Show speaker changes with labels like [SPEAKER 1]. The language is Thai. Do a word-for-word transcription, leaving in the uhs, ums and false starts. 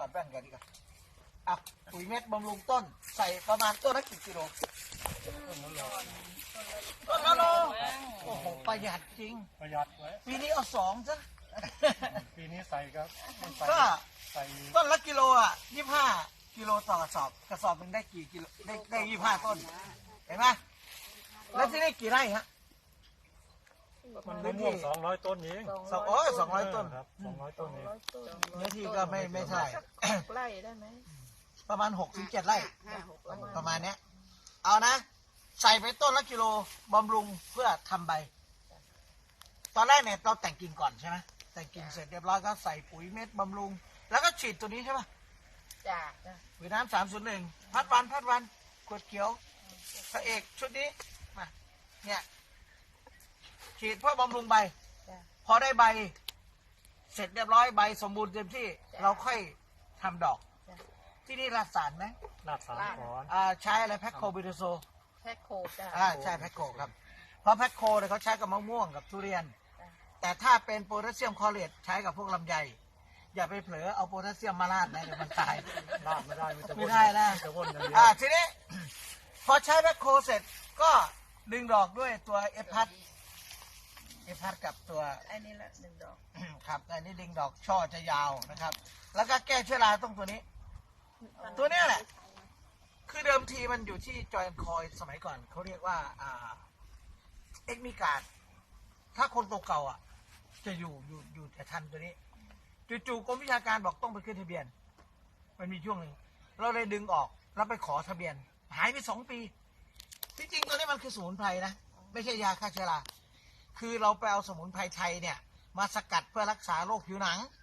[SPEAKER 1] ดแว่นกันดีกว่าอ่ะปุ๋ยเม็ดบำรุงต้นใส่ประมาณต้นละกี่กิโลต้นละโลโอ้โหประหยัดจริง
[SPEAKER 2] ประหยัดไว้
[SPEAKER 1] ปีนี้เอาสองซะ
[SPEAKER 2] ปีนี้ใส่ก็ใส่
[SPEAKER 1] ก็
[SPEAKER 2] ใส่
[SPEAKER 1] ต้นละกิโลอ่ะยี่ห้ากิโลต่อกระสอบกระสอบหนึ่งได้กี่กิโลได้ได้ยี่ห้าต้นเห็นไหมแล้วที่นี่กี่ไร่ฮะ
[SPEAKER 2] มันมะม่วงสองร้อยต้นเอง
[SPEAKER 1] สองโอ้ยสองร้อยต้น
[SPEAKER 2] ครับสองร้อยต้นเอง
[SPEAKER 1] เนื้อที่ก็ไม่ไม่ใช่
[SPEAKER 3] ไร่ได้ไหม
[SPEAKER 1] ประมาณหกถึงเจ็ดไร่
[SPEAKER 3] ห้าหกไร่
[SPEAKER 1] ประมาณเนี้ยเอานะ ใส่ไปต้นละกิโลบำรุงเพื่อทำใบ ตอนแรกเนี่ยเราแต่งกิ่งก่อนใช่ไหมแต่งกิ่งเสร็จเรียบร้อยก็ใส่ปุ๋ยเม็ดบำรุง แล้วก็ฉีดตัวนี้ใช่ปะ
[SPEAKER 3] จ้า
[SPEAKER 1] ปุ๋ยน้ำสามศูนย์หนึ่งพัดวันพัดวันขวดเขียวพระเอกชุดนี้มาเนี่ยฉีดเพื่อบำรุงใบ
[SPEAKER 3] จ้า
[SPEAKER 1] พอได้ใบ เสร็จเรียบร้อยใบสมบูรณ์เต็มที่ เราค่อยทำดอก
[SPEAKER 3] จ้ะ
[SPEAKER 1] ที่นี่ราดสารไหม
[SPEAKER 2] ลาดสารก่อน
[SPEAKER 1] อ่าใช้อะไรแพ็คโคบิโดโซ
[SPEAKER 3] แพ็คโคจ้า
[SPEAKER 1] อ่าใช่แพ็คโคครับเพราะแพ็คโคเนี่ยเขาใช้กับมะม่วงกับทุเรียน
[SPEAKER 3] จ้ะ
[SPEAKER 1] แต่ถ้าเป็นโพแทสเซียมคลอเรตใช้กับพวกลำไยอย่าไปเผลอเอาโพแทสเซียมมาราดนะเดี๋ยวมันตาย
[SPEAKER 2] ลาดไม่ได้มีแต่
[SPEAKER 1] ไม่ได้นะ
[SPEAKER 2] มีแต่ว่นอย่างเดียว
[SPEAKER 1] อ่าทีนี้ พอใช้แพ็คโคเสร็จก็ดึงดอกด้วยตัวเอฟพัดเอฟพัดกับตัว
[SPEAKER 3] ไอ้นี่ละหนึ่งดอก
[SPEAKER 1] ครับอันนี้ดึงดอกช่อจะยาวนะครับ แล้วก็แก้เชื้อราต้องตัวนี้ ตัวเนี้ยแหละ คือเดิมทีมันอยู่ที่จอยแอนคอยสมัยก่อนเขาเรียกว่าอ่าเอ็กมิการ์ดถ้าคนตัวเก่าอ่ะ จะอยู่อยู่อยู่แต่ทันตัวนี้จู่ๆกรมวิชาการบอกต้องไปขึ้นทะเบียน มันมีช่วงหนึ่งเราเลยดึงออกแล้วไปขอทะเบียน หายไปสองปี ที่จริงตัวนี้มันคือสมุนไพรนะไม่ใช่ยาฆ่าเชื้อราคือเราไปเอาสมุนไพรไทยเนี่ย มาสกัดเพื่อรักษาโรคผิวหนัง